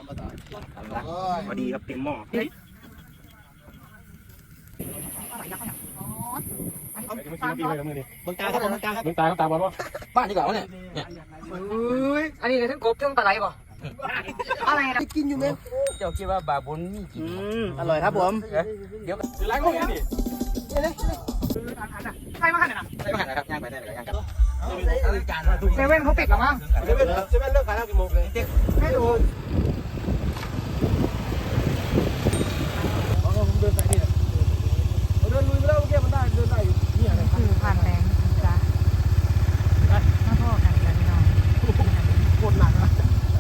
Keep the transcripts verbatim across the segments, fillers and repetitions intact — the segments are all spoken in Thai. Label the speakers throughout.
Speaker 1: พอดีครับเต็มหม้อมึงตาครับผมมึงตาครับมึงตาครับตาบอลวะบ้านดีกว่าวะเนี่ยเนี่ยอันนี้เลยทั้งกบทั้งปลาไหลป่ะอะไรนะกินอยู่ไหมเจ้าคิดว่าบาบุญมีกินอร่อยครับผมเดี๋ยวล้างมือดิใช่มาหันนะใช่มาหันนะครับย่างไปได้เลยย่างกันเซเว่นเขาปิดหรอมั้งเซเว่นเซเว่นเลิกขายแล้วกี่โมงเลยไม่รู้ผมเดินไปนี่เดินลุยไปแล้วเมื่อกี้มันได้เดินได้อยู่นี่อะไรคือผ่านแรงจ้ะมาพ่อกันกันน้องโคตรหนักนะ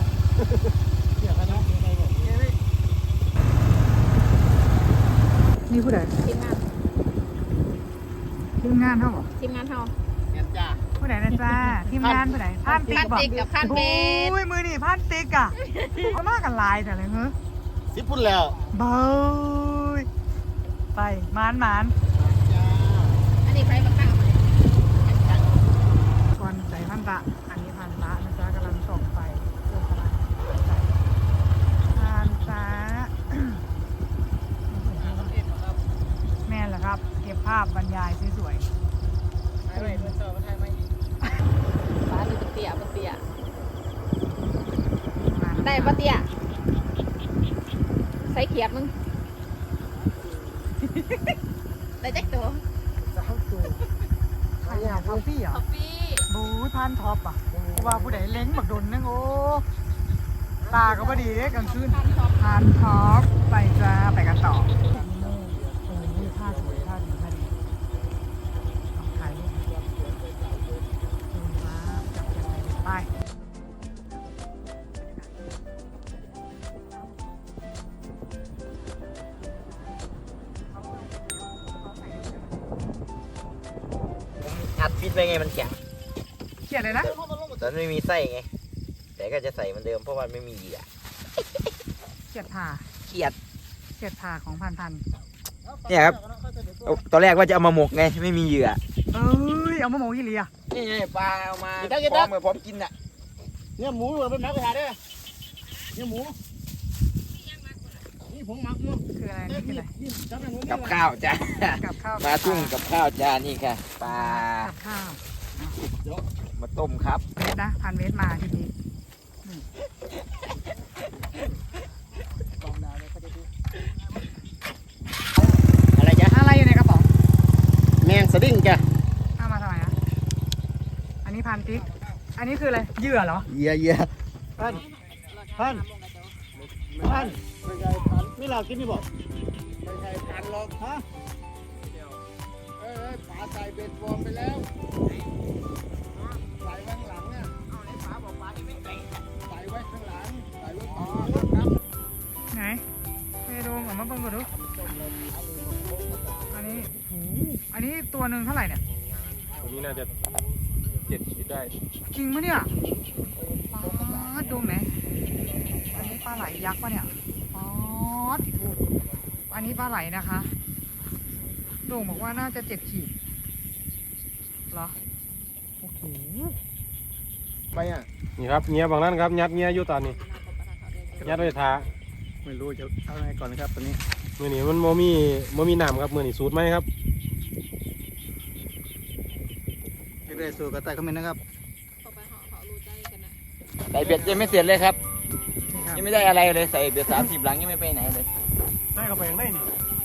Speaker 1: นี่ผู้ใดทีมงานทีมงานเท่าบ่ทีมงานเท่าผู้ใดนะจ้าทีมงานผู้ใดพานติ๊กกับพานเบสอุ้ยมือนี่พานติ๊กอ่ะเขามากกันลายแต่เลยเฮ้ยสิบพุ่นแล้วเบยไปมานมานอันนี้ใครมาตั้งมาก่อนใส่พันตะอันนี้พันตะนะจ๊ะกำลังส่งไปเพื่อกำลังพันตะแม่นแหละครับเก็บภาพบรรยายสวยๆถ่ายไว้เพื่อนเจอมาถ่ายไว้ฟ้าดูปะเตี้ยปะเตี้ยได้ปะเตี้ยใส่เขียดมึงได้แจ็คตัวสามตัวใครอยากท็อปปี้เหรอท็อปปี้บูพันท็อปอ่ะว่าผู้ใดเล้งบักดนนึงโอ้ตาก็พอดีเลยกลางคืนพันท็อปไปจ้าไปกันต่อโอ้ยท่าสวยท่าดีท่าดีถ่ายรูปไป
Speaker 2: อัดฟิตไปไงมันแข็ง
Speaker 1: เขียนเลยนะ
Speaker 2: แต่ไม่มีไส้ไงแต่ก็จะใส่เหมือนเดิมเพราะมันไม่มีเหยื่อ
Speaker 1: เขียดผ่า
Speaker 2: เขียด
Speaker 1: เขียดผ่าของพันพัน
Speaker 2: เนี่ยครับตอนแรกว่าจะเอามาหมกไงไม่มีเหยื่อ
Speaker 1: เอ้ยเอามาหมกกี่เหลี่ย
Speaker 2: นี่ไงปลาเอามาพร้อมเลยพร้อมกินอ่ะ
Speaker 3: เนี่ยหมูเราเป็นนักกระทาได้เนี่ยหมูนี่ผงหมักเนาะ
Speaker 1: คืออะไรนี่คืออะไร
Speaker 2: กับข้าวจ้า
Speaker 1: กับข้าว
Speaker 2: มาทุ่งกับข้าวจ้านี่ค่ะปลา
Speaker 1: กับข้าว
Speaker 2: มาต้มครับ
Speaker 1: เวทนะพันเวทมาทีนี้
Speaker 2: อะไรจ๊ะ
Speaker 1: อะไรอยู่ในกระป๋อง
Speaker 3: แมงสดิ้งแก
Speaker 1: เอามาทำไมอ่ะอันนี้พันติ๊กอันนี้คืออะไรเหยื่อเหรอ
Speaker 3: เหยื่อเหยื่อพันพันพันไม่ใช่พันนี่เรากินนี่บอกไม่ใช่พันหรอกฮะเอ้ยปลาใส่เบ็ดบอมไปแล้วใส่ไว้ข้างหลังเนี่ยเอาในปลาบอกปลาที่ไม่ใส่ใส่ไว้ข้างหลังใส่ไว้ต่อครับ
Speaker 1: ไหนไปดูออกมาเบิ่งก่อนดูอันนี้อันนี้ตัวหนึ่งเท่าไหร่เนี่ย
Speaker 4: ตัวนี้น่าจะเจ็ดขีดได้
Speaker 1: จริงมั้ยเนี่ยปลาดูไหมอันนี้ปลาไหลยักษ์ป่ะเนี่ยปอดอันนี้ปลาไหลนะคะโด่งบอกว่าน่าจะเจ็ดขีดเหรอโอ้โห
Speaker 3: ไปอ่ะ
Speaker 4: นี่ครับเงี้ยบางนั้นครับยัดเงี้ยอยู่ตอนนี้ยัดไว้ทา
Speaker 3: ไม่รู้จะเอาไงก่อนนะครับตอนนี้
Speaker 4: มือนี้มันโมมีโมมีน้ำครับมือนี้สูตรไหมครับ
Speaker 3: เรื่อยๆสู่กระต่ายคอมเมนต์นะครับ
Speaker 2: ใส่เบ็ดยังไม่เสร็จเลยครับยังไม่ได้อะไรเลยใส่เบ็ดสามสิบหลังยังไม่ไปไหนเลย
Speaker 4: ได้เข้าไปยังได้นี่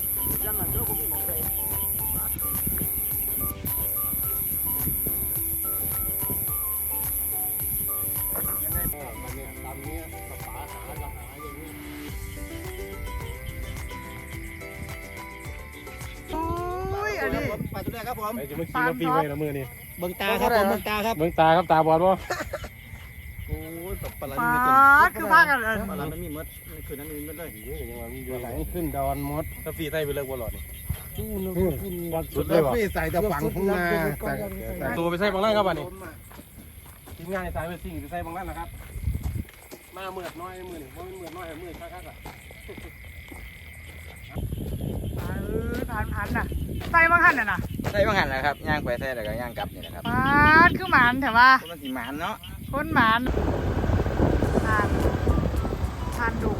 Speaker 3: อันนี้ปลาตัวแรกครับผม
Speaker 4: ไอ้จะมาขี่มาปีไว้ละมือนี่
Speaker 3: เบิ่งตาครับผมเบิ่งตาครับ
Speaker 4: เบิ่งตาครับตาบอดบ่
Speaker 3: โอ้ยปลาไหล
Speaker 1: ปลาคือภาคกันเลย
Speaker 3: ปลาไหลมันมีมดคืนนั้นมีมดเลย
Speaker 4: ยังว่ามีอยู่ไหลขึ้นดอนมดถ้าปีใส่ไปเลิกบ่หลอดนี่
Speaker 3: จู้นึกกิน
Speaker 4: วัดสุดเลยบ่
Speaker 3: ใส่แต่ฝังข้างหน้า
Speaker 4: แต่ตัวไปใส่บางนั่นครับอันนี้ทีมงานสายไปสิ่งไปใส่บางนั่นนะครับมาเมื่อน้อยมือนี่เพราะมันเมื่อน้อยมือคักๆอ่ะ
Speaker 1: เออพันพันน่ะใส่บางหันน่ะนะ
Speaker 2: ใส่บางหันนะครับย่างไปใส่แล้วก็ย่างกลับนี่นะครับ
Speaker 1: ปาดคือหมานแต่ว่า
Speaker 2: มันสีหมานเนาะ
Speaker 1: คนหมานทานทานดุ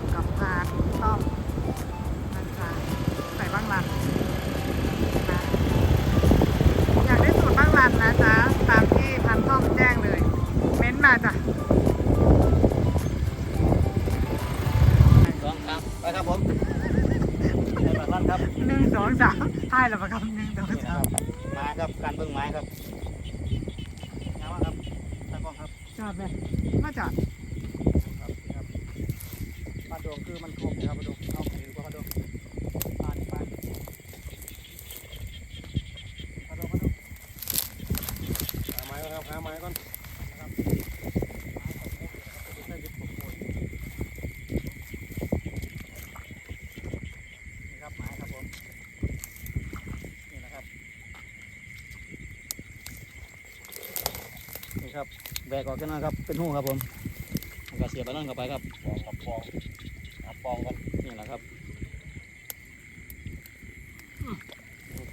Speaker 1: องสามถ่ายแล้วประกับหนึ่งสองสาม
Speaker 3: มาครับการเบิ่งไม้ครับงามครับตากล้องครับ
Speaker 1: จอดไหมมาจอด
Speaker 3: ครับครับมาดวงคือมันคมครับมาดวงเอาเห็นกว่ามาดวงปานปานมาดวงมาดวง
Speaker 4: หาไม้ก่อนครับหาไม้ก่อนนะครับ
Speaker 3: นี่ครับไม้ครับผมนี่นะครับนี่ครับแบกออกกันนะครับเป็นหูครับผมแล้วก็เสียบไปนั่นเข้าไปครับ
Speaker 4: ปองกับปองเอาปองก่อน
Speaker 3: นี่แหละครับโอเค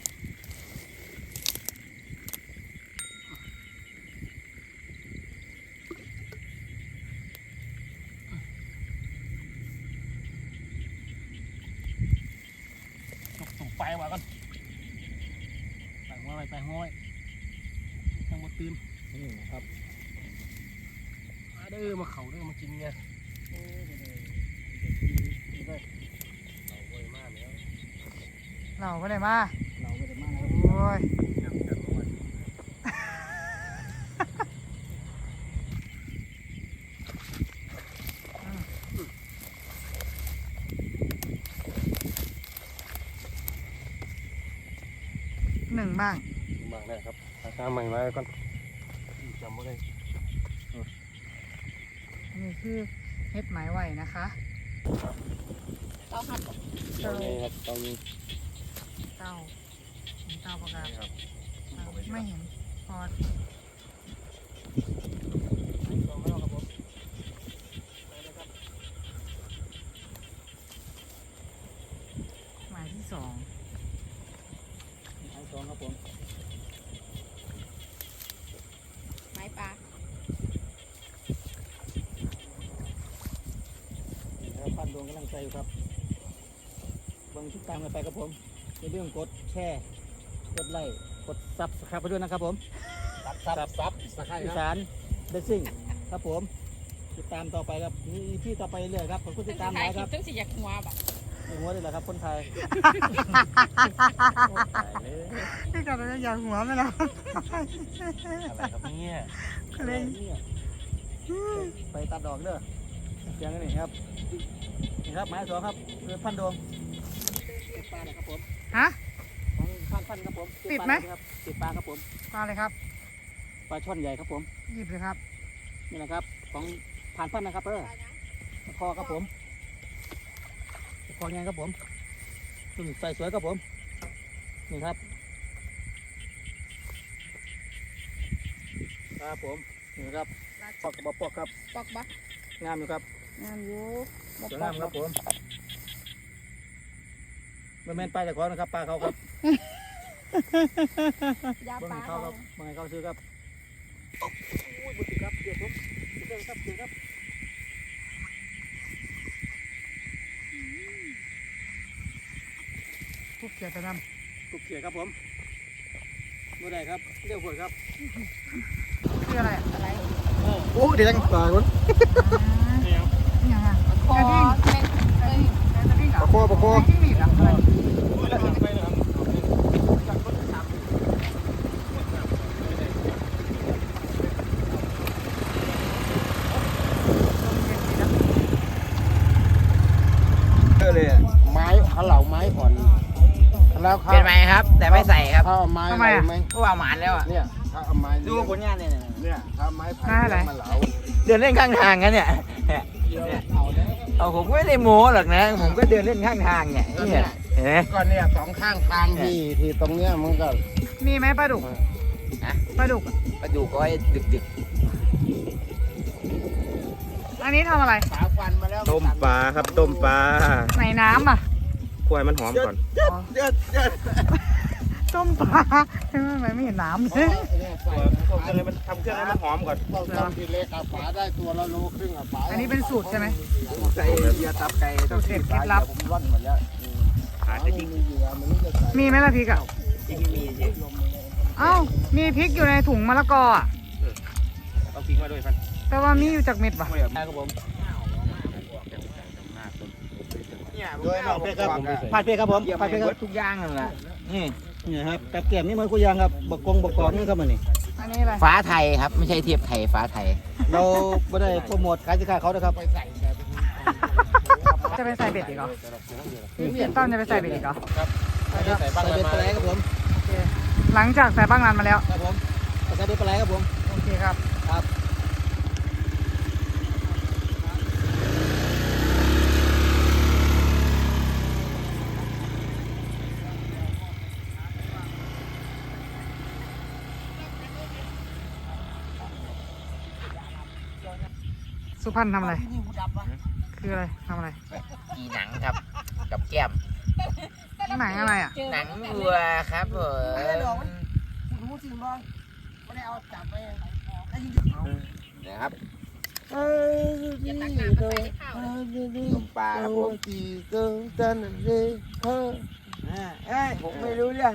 Speaker 4: จุกสูงไฟมาก่อนไปหัวไปไปหัวไปยังหมดตื่น
Speaker 3: นี่นะครับ
Speaker 4: มาเด้อมาเข่าเด้อมากินไงเอาไว้มากแล้ว
Speaker 1: เราก็ได้มา
Speaker 3: เราไม่ได้มานะครับ
Speaker 1: โอ้ย
Speaker 4: จับจับเอาไว้
Speaker 1: หนึ่งบ้าง
Speaker 4: บางแน่ครับหาใหม่มาก่อนจำไม่ได้
Speaker 1: นี่คือเฮ็ดหมายไหวนะคะ
Speaker 4: เตานี้ครับเตานี้
Speaker 1: เต้าเต้าประกาศ
Speaker 4: ครับ
Speaker 1: ไม่เห็นพอดหมายที่สอง
Speaker 3: ไม้สองครับผม
Speaker 5: ไม้ปลา
Speaker 3: นี่ครับพันดวงกำลังใจอยู่ครับเบิ่งติดตามกันไปครับผมอย่าลืมกดแชร์กดไลค์กดซับสไครป์ไปด้วยนะครับผม
Speaker 4: ซับซับซับสักให้
Speaker 3: อี
Speaker 4: นะ
Speaker 3: สานเดซิ่งครับผมติดตามต่อไปครับมีที่ต่อไปเรื่อยครับผมก็ติดตามห
Speaker 5: ถ่า
Speaker 3: ลาย ย
Speaker 5: ค
Speaker 3: ค
Speaker 5: ลิ
Speaker 3: รั
Speaker 5: ป
Speaker 3: บ
Speaker 5: ต้องสิอยากหัวแบบ
Speaker 3: ในหัวนี่แหละครับคนไทย
Speaker 1: ที่ก่อนเราจะอยากหัวไหมล่ะ
Speaker 4: อะไรครับเนี่ย
Speaker 1: ก็เลย
Speaker 3: เนี่ยไปตัดดอกเด้อเสียงนี่ครับนี่ครับไม้สองครับเรือพันดวงติดปลาเลยครับผม
Speaker 1: ฮะ
Speaker 3: ของพันพันครับผม
Speaker 1: ติดไหม
Speaker 3: ครับติดปลาครับผม
Speaker 1: มาเลยครับ
Speaker 3: ปลาช่อนใหญ่ครับผม
Speaker 1: หยิบเลยครับ
Speaker 3: นี่นะครับของผ่านพันนะครับเออคอครับผมคอไงครับผมตุ่นใส่สวยครับผมนี่ครับครับผมนี่ครับปอกกระบอกปอกครับ
Speaker 5: ปอกบัก
Speaker 3: งามอยู่ครับ
Speaker 5: งามอยู่บ่
Speaker 3: สวย
Speaker 5: ปอง
Speaker 3: าก มครับผมไม่แม่นไปแต่ขอนะครับปลาเขาครับ
Speaker 5: ยา
Speaker 3: เบิ่ง
Speaker 5: ปลา
Speaker 3: ให้เขาครับเบิ่งให้เขาซื้อครับโอ้ยบุตรครับเดี๋ยวผมเดี๋ยวครับเดี๋ยวครับ
Speaker 1: พวกเกียร์ตะด
Speaker 3: ตุกเขียครับผมบ่ได้ครับเรียกผลครับ
Speaker 1: ำคืออะไร
Speaker 5: อะไร
Speaker 3: โอ้เดี๋ยวยังต่อยคน
Speaker 1: นี่ยังไง
Speaker 5: คอก
Speaker 1: ระดิ่ง
Speaker 5: แม่งเอ้ย
Speaker 1: กระดิ่งเหรอ
Speaker 3: ประโคประโค
Speaker 1: กระดิ่งหนีบเหรออะไร
Speaker 4: ไปเลยครับ
Speaker 3: เลย
Speaker 6: ไม้เขาเหล่าไม้อ่อนแล้วเขา
Speaker 2: เป็นไหมครับ แต่ไม่ใส่ครับ
Speaker 6: เขาเอาไม้อะไรไหม
Speaker 2: เพราะว่าหมานแล้วอ่ะ
Speaker 6: เนี่ยเขาเอาไม้
Speaker 2: ดูผลงานเนี่ย
Speaker 6: เนี่ยเขาเอาไม้ไผ่มาเหลา
Speaker 2: เดินเล่นข้างทางกันเนี่ยเนี่ยเนี่ยเอาผมก็ไม่ได้โม้หรอกนะ ผมก็เดินเล่นข้างทางเนี่ยเนี่ยเห็นไหม
Speaker 6: ก็เนี่ยสองข้างทางที่ที่ตรงเนี้ยมันก็
Speaker 1: มีไหมปลาดุก
Speaker 2: ฮะ
Speaker 1: ปลาดุกอะ
Speaker 2: ปลาดุกก็ให้ดึกดึก
Speaker 1: อันนี้ทำอะไร
Speaker 6: ขาฟันมาแล้ว
Speaker 3: ต้มปลาครับต้มปลา
Speaker 1: ในน้ำอ่ะ
Speaker 3: กล้วยมันหอมก่อน
Speaker 1: อ๋อ
Speaker 6: เยอะเยอะ
Speaker 1: ต้มปลาทำไมไม่เห็นน้ำเลย
Speaker 6: เนี่ยใส่
Speaker 3: ต้มเครื่องให้มันทำเครื่องให้มันหอมก่อน
Speaker 6: ต้องทำทีเล็กอะฝาได้ตัวละโลครึ่งอะฝา
Speaker 1: อันนี้เป็นสูตรใช่ไหม
Speaker 3: ใส่เยียตับไก่
Speaker 1: สูตรเด็ดเคล็ดลับ
Speaker 6: ผมร่อนหมดแล้ว
Speaker 3: ขาด
Speaker 6: ไม่
Speaker 3: จะ
Speaker 6: มี
Speaker 3: ทิ้ง
Speaker 6: เหยื่อมันรู้จะใส่
Speaker 1: มีไหมล่ะพริกอ่ะ
Speaker 2: ที่มีสิ
Speaker 1: เอ้า มีพริกอยู่ในถุงมะละกออ่ะ
Speaker 3: เอาทิ้งมาด้วยพัน
Speaker 1: แต่ว่ามีอยู่จากเม็ดป่ะ
Speaker 3: ไม่เอาครับผม
Speaker 2: เเนี่ย
Speaker 3: โดยนอกเพชรครับพาดเพชรครับผม
Speaker 2: เกี่ยว
Speaker 3: พาดเพชรค
Speaker 2: กั
Speaker 3: รั
Speaker 2: บบ ทุกอย่างนั่นแหละนี่
Speaker 3: นี่ครับกับเกียมนี่มันคุยยางครับบกกงบกกอกนี่ครับมันนี่
Speaker 1: อันนี้อะไร
Speaker 2: ฟ้าไทยครับไม่ใช่เทียบไทยฟ้าไทย
Speaker 3: เราไม่ได้โปรโมทขายสินค้าเขานะครับ
Speaker 1: จะไปใส่เบ็ดอีกเหรอพี่ต้อมจะไปใส่เบ็ดอีกเหรอ
Speaker 4: ครับไม่ได้ใส่บ้าง
Speaker 3: ใส่
Speaker 4: อะไร
Speaker 3: เบ็ด
Speaker 4: มา
Speaker 3: ปลาไหลครับผม
Speaker 1: โอเคหลังจากใส่บ้างรันมาแล้ว
Speaker 3: ครับผมใส่เบ็ดปลาไหลครับผม
Speaker 1: โอเคครับ
Speaker 3: ครับ
Speaker 1: สุพรรณทำอะไร คืออะไรทำอะไร
Speaker 2: อีหนังครับกับแก้ม
Speaker 1: หนังอะไรอ่ะ
Speaker 2: หนังวัวครับผมนะครับ
Speaker 5: อย่าตักน้ำมาใส่ในข้าวเลย
Speaker 2: ต้มปลาครับผมเอ้ยผมไม่รู้เรื่อง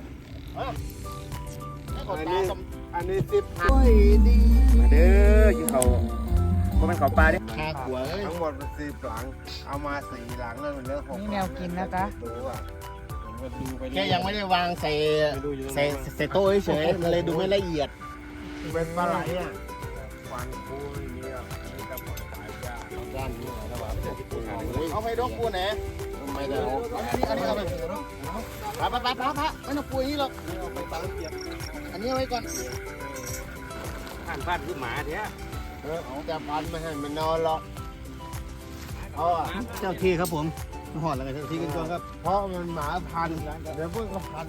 Speaker 6: อันนี้อันนี้สิบ
Speaker 2: มาเด้อกินเขาก็เป็นเขาปลาดิ
Speaker 3: ห้าขวด
Speaker 6: ทั้งหมดมันสี่หลัง เอามาสี่หลังแล้วมันเหลือหก
Speaker 1: นี่แนวกินนะจ๊ะ
Speaker 6: ตัว
Speaker 4: ผมก็ดูไป
Speaker 3: แค่ยังไม่ได้วางใส่
Speaker 4: ไปดูอยู่ตรง
Speaker 3: ใส่
Speaker 4: นั้น
Speaker 3: ใส่โต๊ะเฉยๆมันเลยดูไม่ละเอียด
Speaker 6: เป็นปลาไหลอ่ะฟันคูอย่างนี้อ่ะนี่จะปล่อยขายยาก
Speaker 3: ด้านนี้นะว่า
Speaker 6: เอาไปดกกูไหน
Speaker 3: ไม่ได้อันนี้อันนี้เอาไปปะปะปะปะปะไม่ต้องปุยนี่หรอกอันนี้เอาไว้ก่อน
Speaker 4: ผ่านผ่านคือหมาเนี้ย
Speaker 6: เออเอาแต่พันไม่ให้มันนอนหรอกเพราะ
Speaker 3: เจ้าที่ครับผมหอดแล้วไงเจ้าที่กันก่อนครับ
Speaker 6: เพราะมันหมาพันเดี๋ยวพวกก็พัน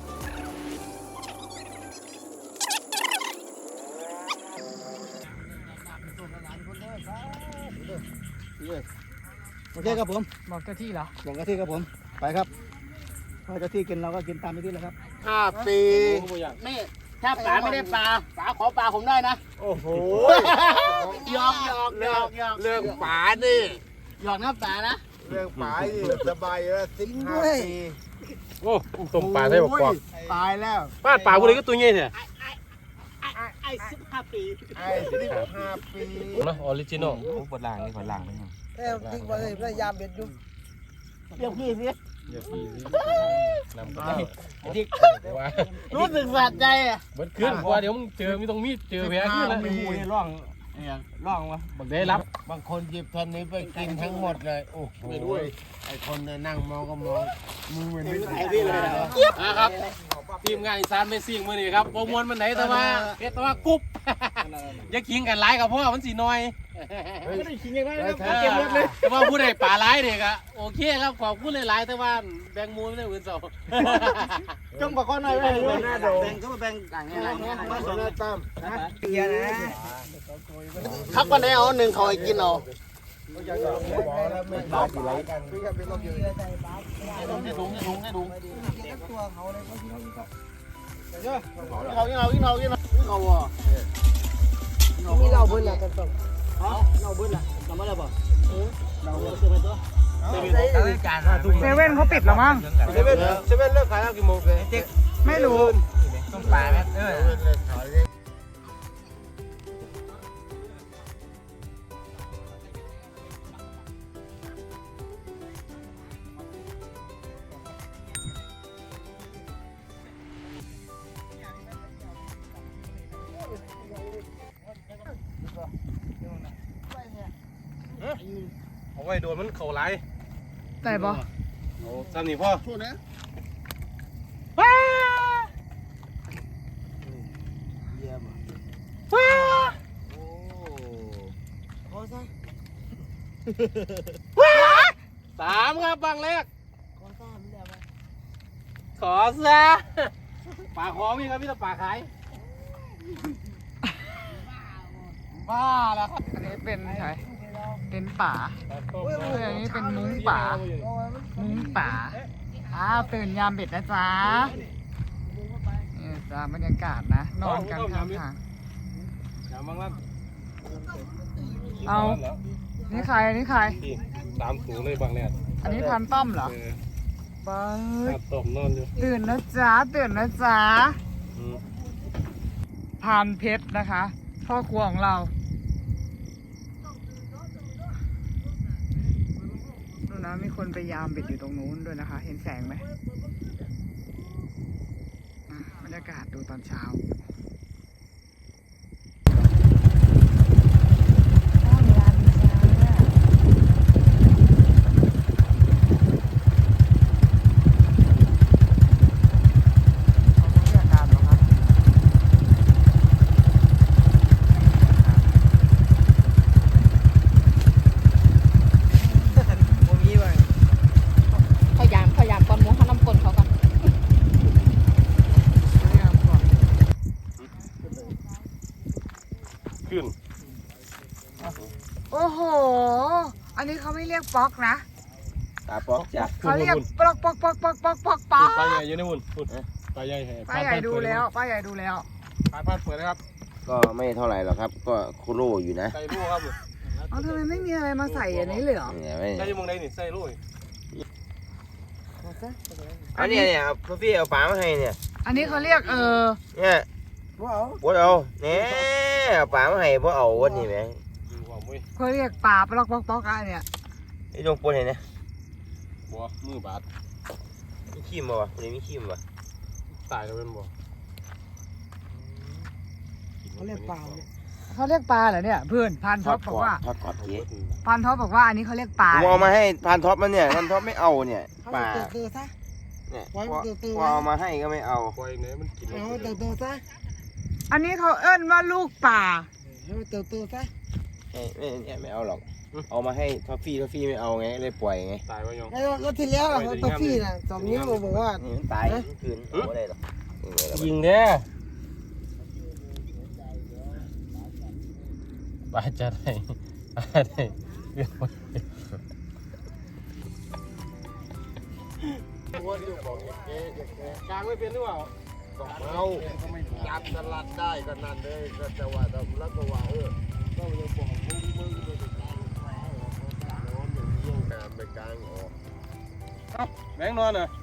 Speaker 3: โอเคครับผม
Speaker 1: บอกเจ้าที่เหรอ
Speaker 3: บอกเจ้าที่ครับผมไปครับพอเจ้าที่กินเราก็กินตามเจ้าที่แล้วครับ
Speaker 6: ห้าปี
Speaker 4: ผมก็อยาก
Speaker 3: นี่ถ้าป๋าไม่ได้ปลาป๋าขอปลาผมได้นะ
Speaker 6: โอ้โห
Speaker 3: หยอกหยอกหยอกหยอก
Speaker 6: เรื่องป๋านี่
Speaker 3: หยอกนะป๋านะ
Speaker 6: เรื่องป๋านี่สบายแล้วสิบห้าปี
Speaker 4: โอ้ต้มปลาใส่บกกอก
Speaker 6: ตายแล้ว
Speaker 4: บ้านปลาพวกนี้ก็ตัวใหญ่เนี่ย
Speaker 3: ไอ้สิบห้าปี
Speaker 6: ไอ้สิบห้าปี
Speaker 4: นะออริจินอล
Speaker 2: ปวดหลังนี่ปวดหลังไปยัง
Speaker 3: เอ้ยจริงว่าเลยพยายามเบ็ดอยู่เรียกพี่สิ
Speaker 4: อย่าพี่สินำไปว่า
Speaker 3: รู้สึกสะใจอ่ะ
Speaker 4: เบิดขึ้นว่าเดี๋ยวมึงเจอไม่ต้องมีเจอแผลขึ้นแล้ว
Speaker 6: มีหูนี่ร่องเนี่ยร่องวะ
Speaker 4: บักได้รับบ
Speaker 6: างคนหยิบทันนี้ไปกินทั้งหมดเลย โอ้โหไอ้คนเนี่ยนั่งมองก็มองมึงเหมือนไม่ใช่พี่เลยนะ
Speaker 4: นะครับทีมงานอีสานเมซิ่งมื้อนี้ครับโปรมวนมันไหนแต่ว่าเพชรแต่ว่ากุ๊บอย่าขิงกันหลายกับพ่อมันสิน้อย
Speaker 3: ไม่ได้ขิงยังไงนะ
Speaker 4: เก็บรถเลยแต่ว่าผู้ใดป่าร้ายเด็กอะโอเคครับขอบคุณหลายๆแต่ว่าแบ่งมูลไม่ได้อื่นสอง
Speaker 3: จงบอกข้อหน่อยไว้เลย
Speaker 6: หน้าโดม
Speaker 3: แบ่งก็มาแบ่งต่างนี่อะไรเงี้ย
Speaker 6: มาสนาตาม
Speaker 2: เกียร์นะ
Speaker 3: ครับวันไหนเอาหนึ่งเขาให้กินเอา
Speaker 6: บอกแล้วไม่ตายกี่ไรกันพี่ก็เป็นลมอยู่
Speaker 3: ให้ถุงให้ถุงให้ถุง
Speaker 6: เขาเนี่ย
Speaker 3: กินเขากินเขากินเขากินเขากินเขาอ่ะมีเราเบิ้ลละกันต้องเราเบิ้ลละทำอะไรบ่เราเสื้อไปตัว
Speaker 1: เซเว่นเขาปิดแล้วมั้ง
Speaker 6: เซเว่นเซเว่นเลิกขายแล้วกี่โมงเลย
Speaker 1: ไม่รู้
Speaker 2: ต้มปลาไหมเออ
Speaker 6: เซเว่นเลิกขายเลย
Speaker 4: เอาไว้โดนมันเข่าไหล
Speaker 1: แต่บอ
Speaker 4: โอ้ซ้ำนี่พ่อ
Speaker 3: พูดนะ
Speaker 1: ว้า
Speaker 3: เยี่ยม
Speaker 1: ว้า
Speaker 3: โอ้ขอซะ
Speaker 4: สามครับบางแรก
Speaker 3: ขอซะไม่ได้ไหม
Speaker 4: ขอซะป่าขอมีครับพี่ตะป่าขาย
Speaker 3: บ้าแล้วครับ
Speaker 1: อันนี้เป็นใครเป็นป่า เอออันนี้เป็นมุ้งป่า มุ้งป่าอ้าวตื่นยามเบ็ดนะจ๊ะนี่จ้าบรรยากาศนะ นอนกันข้างทาง
Speaker 4: อย่าบางลั่น
Speaker 1: เอา นี่ใครอันนี้ใคร
Speaker 4: พี่สามสูงเลยบางแรก
Speaker 1: อันนี้พันต้อมเหรอ
Speaker 4: เออ
Speaker 1: เบิร์
Speaker 4: ขาดตบนอนอยู่
Speaker 1: ตื่นนะจ๊ะตื่นนะจ๊ะ
Speaker 4: อืม
Speaker 1: พานเพชรนะคะ พ่อครัวของเรา ดูนะมีคนไปยามเบ็ดอยู่ตรงนู้นด้วยนะคะ เห็นแสงไหมอ่ะบรรยากาศดูตอนเช้า
Speaker 5: เขายามเขายามก่อนหมูเขาน้ำกลนเขาก่อน
Speaker 4: ขึ้น
Speaker 1: โอ้โห อันนี้เขาไม่เรียกป๊อกนะ
Speaker 2: ตาป๊อกจ้ะ
Speaker 1: เขาเรียกปลอกปลอกปลอกปลอกปลอกปลอกปลอก
Speaker 4: ปลาใหญ่อยู่ในหุ่นหุ่นปลาใหญ่แห่
Speaker 1: ป้าใหญ่ดูแล้วป้าใหญ่ดูแล้ว
Speaker 4: ปลาพัดเปิดนะครับ
Speaker 2: ก็ไม่เท่าไหร่หรอกครับ ก็คุโรอยู่นะ
Speaker 4: ใส่ลูกครับ
Speaker 1: อ๋อทำไมไม่มีอะไรมาใส่อันนี้เลยเหรอ
Speaker 2: เนี่ยไม่
Speaker 4: ใส่ยังมงได้นี่ใส่ลูก
Speaker 2: อันนี้เนี่ยครับพี่เอาฝามาให้เนี่ย
Speaker 1: อันนี้เขาเรียกเออ
Speaker 2: เนี่ยบ่เอาเนี่ยเอาฝามาให้บ่เอาวันนี้ไหม
Speaker 4: ดูความเว้ย
Speaker 1: เขาเรียกปลาปลอกปลอกปลอกอันเนี่ย
Speaker 2: ไอ้ตรงปนเห็นเนี่ย
Speaker 4: บัวมือบาด
Speaker 2: มีขี้มบ่วะคนนี้มีขี้มบ่
Speaker 4: ตายแล้วเป็นบัว
Speaker 3: เขาเรียกเปล่าเนี่ย
Speaker 1: เขาเรียกปลาเหรอเนี่ยเพื่อนพันท็อปบอกว่า
Speaker 2: ทอดกรอบเก๋
Speaker 1: พันท็อปบอกว่าอันนี้เขาเรียกปลา
Speaker 2: ผมเอามาให้พานท็อปมันเนี่ยพานท็อปไม่เอาเนี่ยปลา
Speaker 3: เติร์ซะ
Speaker 2: เนี่ย
Speaker 3: ไว้
Speaker 2: พอ
Speaker 3: เติร์
Speaker 2: พอเอามาให้ก็ไม่เอา
Speaker 4: ปล่อยเนี่ยมันกิน
Speaker 3: เอาเติร์ซะ
Speaker 1: อันนี้เขาเอิ้นว่าลูกปลา
Speaker 3: ให้เติร์ซะ
Speaker 2: ไม่ไม่เนี่ยไม่เอาหรอกเอามาให้ท็อฟฟี่ท็อฟฟี่ไม่เอาไงเลยปล่อยไง
Speaker 4: ตายวะยอง
Speaker 3: แล้วก็ที่แล้วเขาตัวพี่น่ะสองนิ้วบอกว่า
Speaker 2: นี่มันตายทั้งคืนเอาไม่ได้หรอก
Speaker 4: ยิงเด้อปลาจะได้ปลาได้กลางไม่เป็นหรือเปล่า
Speaker 6: เอาจับตลาดได้ก็นั่นเลยก็จะว่าแล้วก็ว่าเออก็ยังบอกมึงมึงไปกลางแผลออกกลางน้องอย่างนี้ยังการไปกลางออก
Speaker 4: แบงค์นอนเหรอ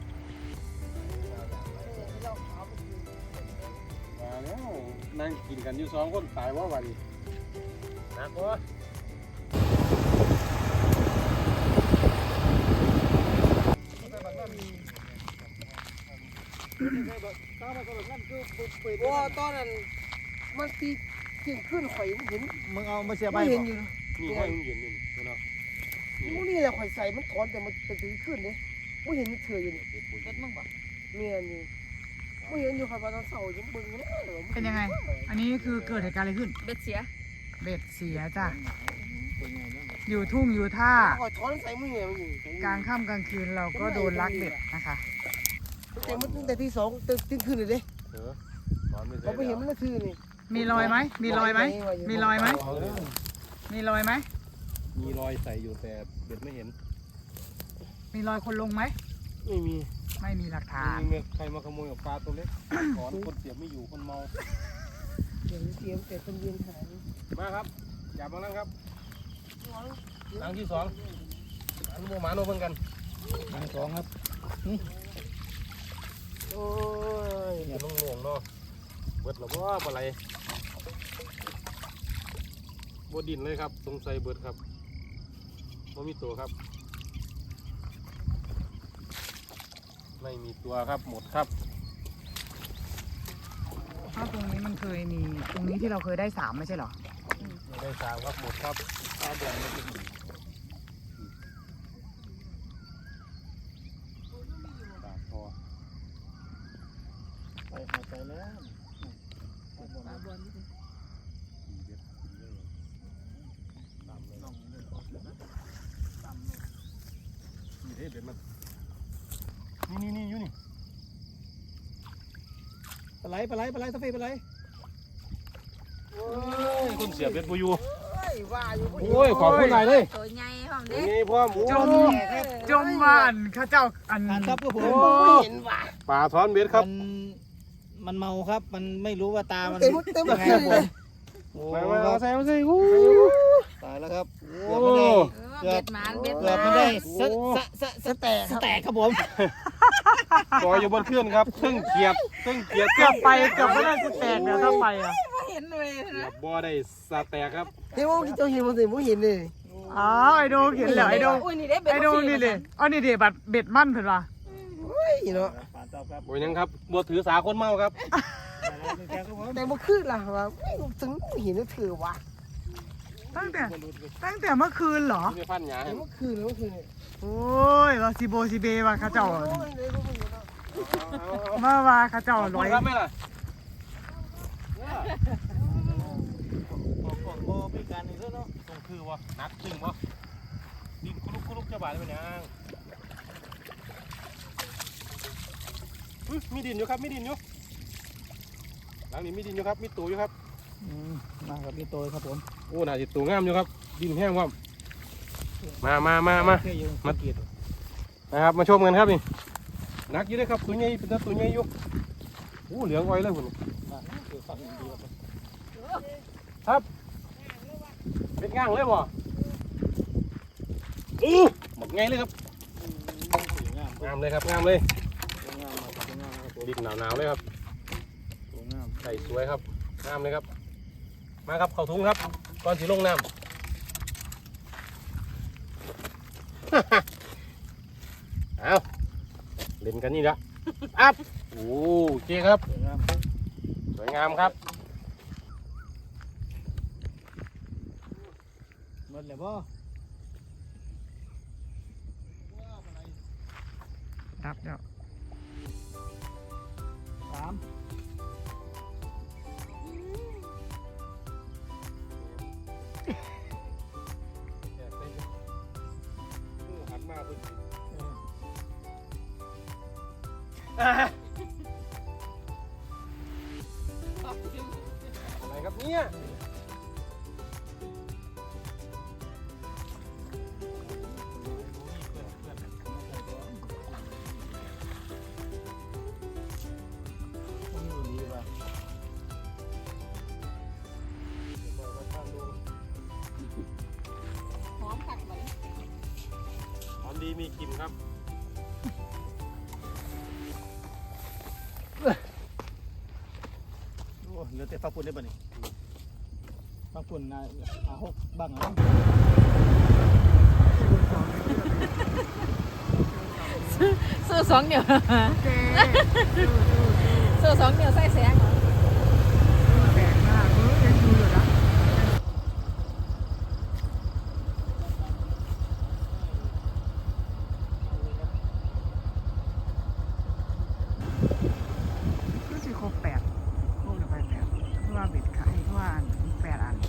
Speaker 4: มาแล้วนั่งกินกันอยู่สองคนตายว่าวันนี้นะพ่อ
Speaker 3: ว่าตอนนั้นมันตีเสียงขึ้นข่อยมันเห็น
Speaker 1: มึงเอามาเสียบ
Speaker 3: ไม่เห็นอยู่
Speaker 4: นี่ห้อยมันเย็นนี่เนาะ
Speaker 3: มูนี่แหละข่อยใส่มันถอนแต่มันเป็นตีขึ้นเลยไม่เห็นมันเถื่ออยู่นี่
Speaker 5: รถมึงบ่
Speaker 3: เมียนี่ไม่เห็นอยู่ข่อยว่าตอนเสาร์ยังบึงนะ
Speaker 1: เป็นยังไง อันนี้คือเกิดเหตุการณ์อะไรขึ้น
Speaker 5: เบ็ดเสีย
Speaker 1: เบ็ดเสียจ้ะอยู่ทุ่งอยู่ท่า
Speaker 3: ข่อยถอนใส่มือมันอยู่
Speaker 1: กลางค่ำกลางคืนเราก็โดนลักเบ็ดนะคะ
Speaker 3: แต่มันตั้งแต่ที่สองตื่นขึ้นเลยเด้
Speaker 4: เออตอนไม่
Speaker 3: เขาไปเห็นมันก็คือนี่
Speaker 1: มีรอยไหมมีรอยไหมมีรอยไหมมีรอยไหม
Speaker 4: มีรอยใส่อยู่แต่เบ็ดไม่เห็น
Speaker 1: มีรอยคนลงไหม
Speaker 4: ไม่มี
Speaker 1: ไม่มีหลักฐาน
Speaker 4: มีใครมาขโมยกับปลาตัวเล็กถอนคนเสียบไม่อยู่คนเมา
Speaker 3: เสียงเสียงแต่คนยืนหาย
Speaker 4: มาครับอย่ามานั่งครับนั่งที่สองอันโมหมาโนเพิ่งกันนั่งสองครับโอ้ยอย่าลงหลวงเนาะเบิดหรอว่าอะไรบดินเลยครับสงสัยเบิดครับไม่มีตัวครับไม่มีตัวครับหมดครับ
Speaker 1: ถ้าตรงนี้มันเคยมีตรงนี้ที่เราเคยได้สามไม่ใช่เหรอ
Speaker 4: ไม่ได้สามครับหมดครับข้าวเดือนไม่ถึงปากพอ
Speaker 3: ไปหายใจแล้ว
Speaker 4: นี่เด็ดมันนี่นี่นี่อยู่นี่
Speaker 3: ปลาไหลปลาไหลปลาไหลสเปรย์ปลาไหล
Speaker 4: คนเสียบเบ็ดบูยู
Speaker 3: ว่าอยู่
Speaker 4: โอ้ยขอบคุณหลายเลย
Speaker 5: ตัวใหญ่พร้อมเด้
Speaker 4: นี่พ่อหมู
Speaker 1: จมจมบ้านข้าเจ้าอัน
Speaker 3: ครับก็ผม
Speaker 1: ไม่
Speaker 3: เห็นว่า
Speaker 4: ปลาท้อนเบ็ดครับ
Speaker 7: มันเมาครับ มันไม่รู้ว่าตา มัน
Speaker 3: เต็มเต็มเลย
Speaker 4: มามาเอาใส่เอาใส่อู้
Speaker 7: ตายแล้วครับ
Speaker 4: โอ้
Speaker 7: เกือบไม่ได้
Speaker 5: เบ็ดหมานเบ็ดห
Speaker 7: เกือบ
Speaker 5: มา
Speaker 7: ไม่
Speaker 5: น
Speaker 7: ได้สะสะสะสะแตกสะแตกครับผม
Speaker 4: ปล่อยอยู่บนเครื่องครับเครื่องเกียดเครื่องเกียด
Speaker 1: เกือบไปเกือบไม่ได้จะแตกเนี่ยถ้าไปอ่ะ
Speaker 5: เห็นเลย
Speaker 4: เกือ
Speaker 5: นะ
Speaker 4: บบ่ได้สาแตกครับ
Speaker 3: เดี๋ยวว่าเจ้าเห็นมันสิผมเห็นเลย
Speaker 7: โอ้
Speaker 1: อ๋อไอโดเห็นแล้วไอโดไอโดนี่เลยอ๋อนี่เดี๋ยวบัตรเบ็ดมั่นเพิ่นว่า
Speaker 5: เนาะ
Speaker 4: โอ้ยยังครับบัวถือสาคนเมาครับ
Speaker 5: แต่บ่คือล่ะว่าถึงเห็นถือว่ะ
Speaker 1: ตั้งแต่ตั้งแต่เมื่อคืนเหรอ
Speaker 4: ไม่ฟันหยา
Speaker 5: เมื่อคืนเมื่อคืน
Speaker 1: โอ้ยว่าซิโบซิเบว่าเขาเจ้ามาว่าเขาเจ้าร้อย
Speaker 4: ครับไม่ล่ะ
Speaker 7: ของบ่มีการนี่เนาะ
Speaker 4: ตรงคือวะนักจริงวะดินคุลุกคุลุกจะบาดได้ไหมยังมีดินอยู่ครับมีดินอยู่หลังนี้มีดินอยู่ครับมีตูอยู่ครับ
Speaker 7: อืมมากับพี่โตยครับผม
Speaker 4: โอ้น่าจะตูงามอยู่ครับดินแห้งครับมามามามา
Speaker 7: แค่อยู่มาเกียรติ
Speaker 4: นะครับมาชมกันครับนี่นักอยู่เลยครับตัวใหญ่เป็นตัวใหญ่อยู่โอ้เหลืองอ้อยเลยคุณครับเป็นง่างเลยบ่อู้หมดไงเลยครับงามเลยครับงามเลยดินหนาวๆเลยครับใส่สวยครับงามเลยครับมาครับเข้าถุงครับก่อนสีลงน้ำ เอาเล่นกันนี่ละอัพโอ้โอเคครับ สวยงามครับ
Speaker 7: หมดเลยบ่
Speaker 1: ดับแล้ว
Speaker 7: สาม
Speaker 4: หันมาเพิ่งอะไรครับเนี่ยหอมดีมีกลิ่นครับ
Speaker 7: โอ้เหลือแต่ฟักปุ่นได้ป่ะนี่ฟักปุ่นนะอาหกบ้างนะ
Speaker 8: ซื้อสองเดียว
Speaker 1: โอเค
Speaker 8: ซื้อสองเดียวใส่แสง
Speaker 1: แปลกมากเออยังดูอยู่นะก็สิครบแปดครบไปแปดเพราะว่าเบ็ดขายเพราะว่าอันแปดอัน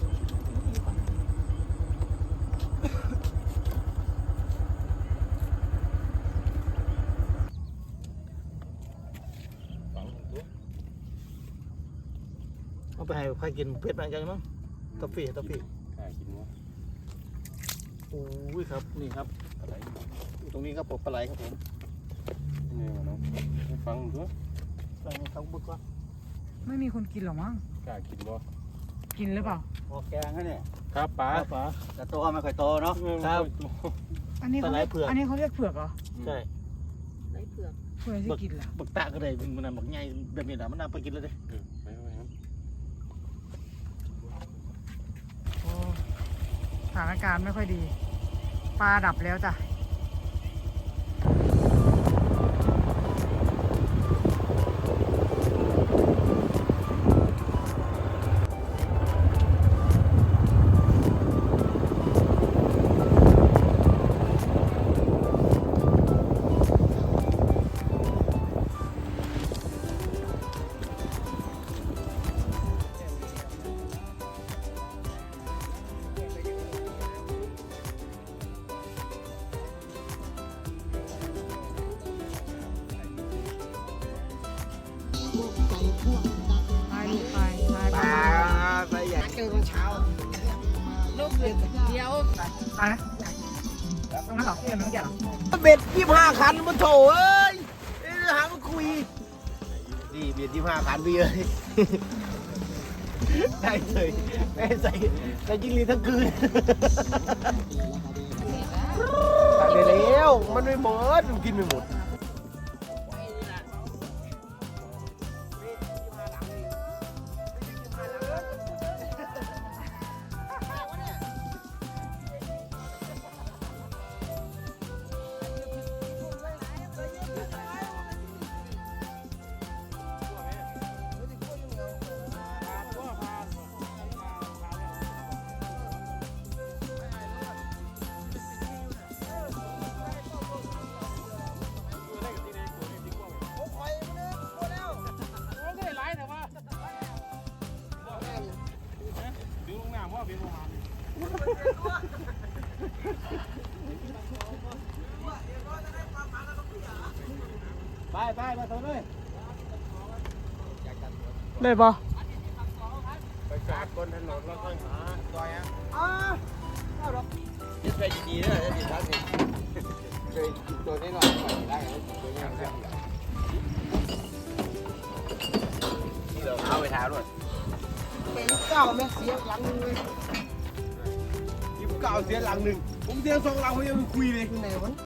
Speaker 7: เอาไปให้ใครกินเพชรมาจังมั้งตอฟฟี่ตอฟฟี่
Speaker 4: ใช่กินวะ
Speaker 7: โอ้ยครับนี่ครับ
Speaker 4: อะไร
Speaker 7: ตรงนี้ครับผมปลาไหลครับผม
Speaker 4: นี่วะน้องให้ฟังด้วย
Speaker 7: ใส่ในเขาบึกว่า
Speaker 1: ไม่มีคนกินหรอมั้ง
Speaker 4: กล้ากินบ่
Speaker 1: กินหรือเปล่า
Speaker 7: ออกแกงนะเนี่ย
Speaker 4: ครับป๋า
Speaker 7: ป๋าแต่โตไม่ค่อยโตเนาะครับ
Speaker 1: อันนี้เขา
Speaker 7: ปลาไหล
Speaker 1: เรียก
Speaker 7: เผือก
Speaker 1: อันนี้เขาเรียกเผือกเหรอ
Speaker 7: ใช่
Speaker 8: ไรเผือก
Speaker 1: เผือกที่กินเหรอ
Speaker 7: บักตะก็ได้มันน่ะบักใหญ่แบบนี้นะมันน่าไปกินเลยเด้
Speaker 4: เออไปไปครับ
Speaker 1: โอ้สถานการณ์ไม่ค่อยดี ปลาดับแล้วจ้ะ ไปลูกไปไปไป
Speaker 5: ไปอยากเจอตอนเช้า
Speaker 8: ลูกเดียว
Speaker 1: ไปนะตรงนั้นเหรอเพื่อนน้องแก่เหรอ
Speaker 5: เบ็ดยี่ห้าคันมาโถเอ้ยเอ้ยหามาคุยนี่เบ็ดยี่ห้าคันพี่เอ้ยได้เลยได้ใส่ใส่ยิงลีทั้งคืนตัดไปแล้วมันไม่หมดมันกินไม่หมด
Speaker 3: ไปไปมาตัวเลย
Speaker 1: ได้บ่
Speaker 6: ไปจอดบนถนนแล้วค่อยหาซอยอ่ะ
Speaker 3: อ้า
Speaker 5: ยึดไปดีๆนะจะติดทักนี่เคยกินตัวนี้หน่อยปล่อยได้ตัวนี้ครับนี่เราเอาไปทาด้วยเป็นเก้าแม่เสียหลังหนึ่งเลยยิบเก้าเสียหลังหนึ่งผมเสียสองหลังผมยังคุยเลยไหนวะ